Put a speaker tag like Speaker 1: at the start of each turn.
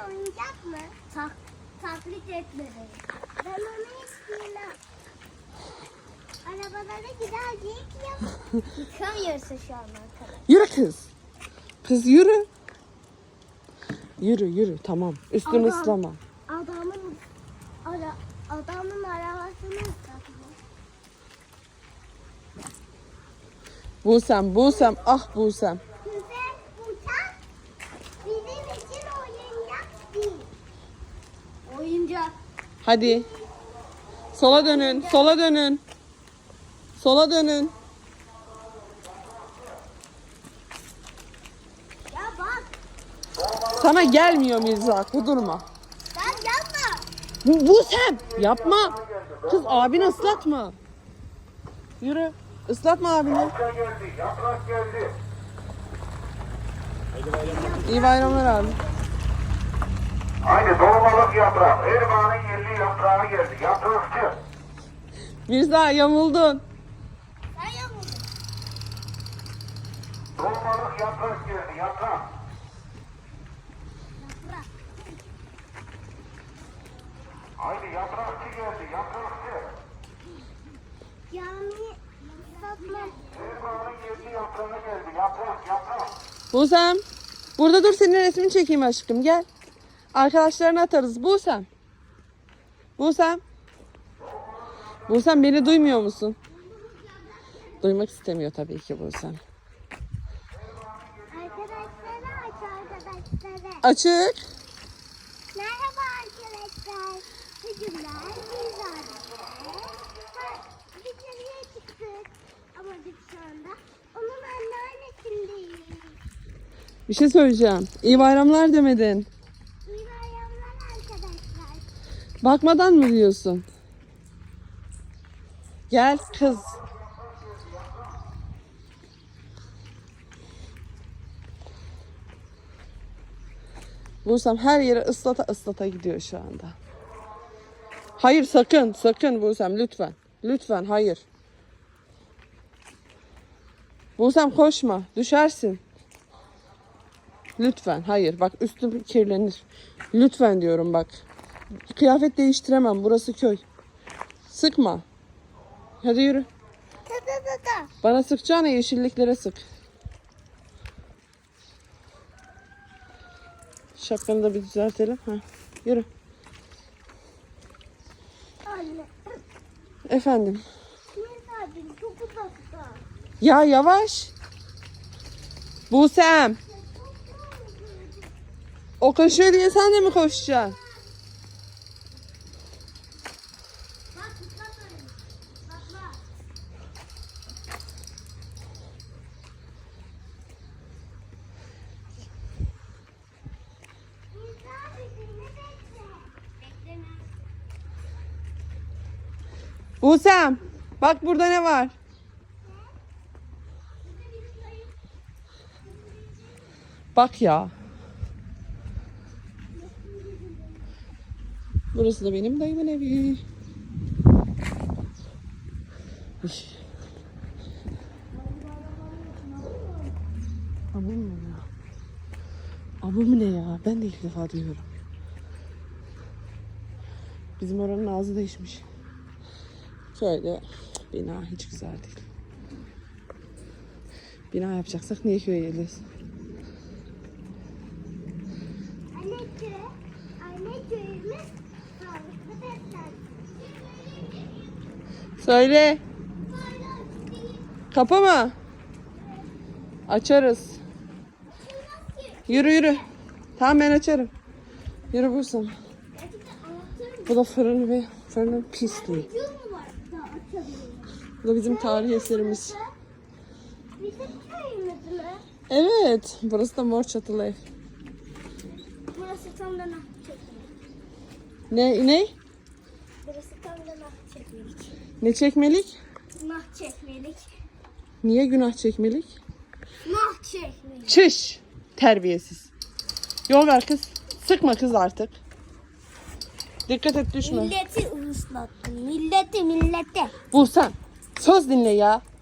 Speaker 1: oyuncak mı? Taklit etmedi. Ben onu istiyorum. Arabalara giderdik ya. Yıkamıyorsa şu an arkadaşlar.
Speaker 2: Yürü kız. Kız yürü. Yürü tamam. Üstünü ıslama.
Speaker 1: Adamın arabasını ıslatıyor.
Speaker 2: Busem ah Busem.
Speaker 1: Güzel uçak bizim için oyuncak değil. Oyuncak.
Speaker 2: Hadi. Sola dönün.
Speaker 1: Ya bak.
Speaker 2: Sana gelmiyor Mirza. Kudurma.
Speaker 1: Sen yapma.
Speaker 2: Busem yapma. Kız abini ıslatma. Yürü. Islatma abini.
Speaker 3: Yaprak geldi.
Speaker 2: İyi bayramlar abi.
Speaker 3: Haydi dolmalık yaprak. Erman'ın yerli yaprağı geldi. Yaprakçı.
Speaker 2: Mirza yamuldun.
Speaker 1: Sen yapma.
Speaker 3: Dolmalık yaprak geldi. Yaprak. Haydi yaprakçı geldi. Yaprakçı.
Speaker 1: Yani satma.
Speaker 3: Erman'ın yerli yaprağı geldi. Yaprak.
Speaker 2: Busem. Burada dur senin resmini çekeyim aşkım gel. Arkadaşlarına atarız. Busem beni duymuyor musun? Duymak istemiyor tabii ki Busem.
Speaker 1: Arkadaşlara arkadaşlara.
Speaker 2: Açık.
Speaker 1: Merhaba arkadaşlar. Bugün biz dışarıya çıktık. Ama biz şu anda onun anneannesindeyiz.
Speaker 2: Bir şey söyleyeceğim. İyi bayramlar demedin.
Speaker 1: İyi bayramlar arkadaşlar.
Speaker 2: Bakmadan mı diyorsun? Gel kız. Busem her yere ıslata gidiyor şu anda. Hayır sakın Busem lütfen. Lütfen hayır. Busem koşma düşersin. Lütfen hayır bak üstüm kirlenir. Lütfen diyorum bak. Kıyafet değiştiremem burası köy. Sıkma. Hadi yürü.
Speaker 1: Ta.
Speaker 2: Bana sıkacağına yeşilliklere sık. Şapkanı da bir düzeltelim. Ha. Yürü.
Speaker 1: Anne.
Speaker 2: Efendim.
Speaker 1: Mesajım çok uzakta.
Speaker 2: Ya yavaş. Busem. O koşuyor diye sen de mi koşacaksın?
Speaker 1: Bak ıslatmayın. Bak. Bekleme.
Speaker 2: Busem. Bak burada ne var? Bak ya. Burası da benim dayımın evi. Üş. Amım mı ya? Amım ne ya? Ben de ilk defa duyuyorum. Bizim oranın ağzı değişmiş. Şöyle bina hiç güzel değil. Bina yapacaksak niye köye geliyoruz?
Speaker 1: Anne köyümüz sağlıklı beslensin.
Speaker 2: Söyle. Kapı mı? Açarız. Yürü. Tamam ben açarım. Yürü Busem. Bu da fırın ve fırının pisliği.
Speaker 1: Yol mu var da açabiliriz?
Speaker 2: Bu da bizim tarihi eserimiz.
Speaker 1: Bizim köyümüz mü?
Speaker 2: Evet. Burası da mor çatılı ev.
Speaker 1: Burası tam da nah çekmelik.
Speaker 2: Ne?
Speaker 1: Burası tam da nah çekmelik.
Speaker 2: Ne çekmelik?
Speaker 1: Nah çekmelik.
Speaker 2: Niye günah çekmelik?
Speaker 1: Nah çekmelik.
Speaker 2: Çüş. Terbiyesiz. Yol ver kız. Sıkma kız artık. Dikkat et düşme.
Speaker 1: Milleti ıslattın. Milleti.
Speaker 2: Busem. Söz dinle ya.